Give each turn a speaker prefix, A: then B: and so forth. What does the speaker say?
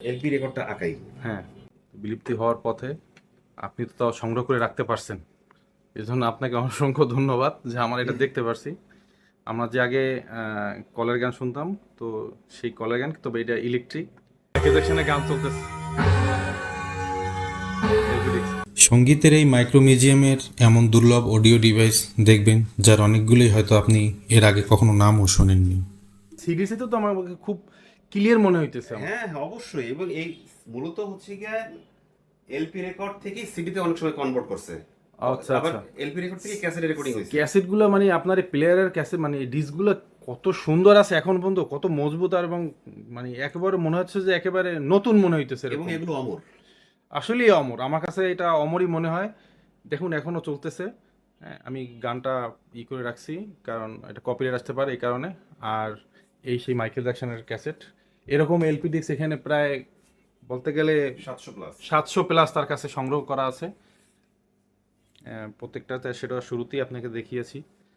A: LP রেকর্ডটা আঁকাই।
B: হ্যাঁ, বিলুপ্তি হওয়ার পথে আপনি তো তাও সংগ্রহ করে রাখতে পারছেন, এজন্য আপনাকে অসংখ্য ধন্যবাদ যে আমার এটা দেখতে পারছি। আমরা যে আগে কলের গান শুনতাম, তো সেই কলের গান, তবে এটা ইলেকট্রিক সেকশনে গান চলতেছে।
C: সঙ্গীতের এই মাইক্রো মিউজিয়ামের এমন দুর্লভ অডিও ডিভাইস দেখবেন যার অনেকগুলোই হয়তো আপনি এর আগে কখনো নামও শোনেননি।
B: সিডিসি তো আমার খুব ক্লিয়ার মনে হইতেছে আমার।
A: হ্যাঁ হ্যাঁ, অবশ্যই। এবং এই মূলত হচ্ছে গিয়ে এলপি রেকর্ড থেকে সিডিতে অনেক সময় কনভার্ট করছে।
B: আচ্ছা
A: আবার
B: আচ্ছা,
A: এলপি রেকর্ড থেকে ক্যাসেটে রেকর্ডিং হয়েছে।
B: ক্যাসেটগুলো মানে আপনার প্লেয়ারের ক্যাসেট মানে ডিস্কগুলো কত সুন্দর আছে এখন পর্যন্ত, কত মজবুত, আর এবং মানে একেবারে মনে হচ্ছে যে একেবারে নতুন মনে হইতেছে
A: এবং
B: এরকম।
A: এগুলো অমর।
B: আসলেই অমর, আমার কাছে এটা অমরই মনে হয়। দেখুন এখনো চলতেছে। হ্যাঁ, আমি গানটা করে রাখছি কারণ এটা কপিরাইট আসতে পারে এই কারণে। আর এই সেই মাইকেল জ্যাকসনের ক্যাসেট, এরকম এলপি ডিস্ক এখানে প্রায় বলতে গেলে
A: 700 প্লাস।
B: 700 প্লাস তার কাছে সংগ্রহ করা আছে। প্রত্যেকটাতে সেটা শুরুতেই আপনাকে দেখিয়েছি।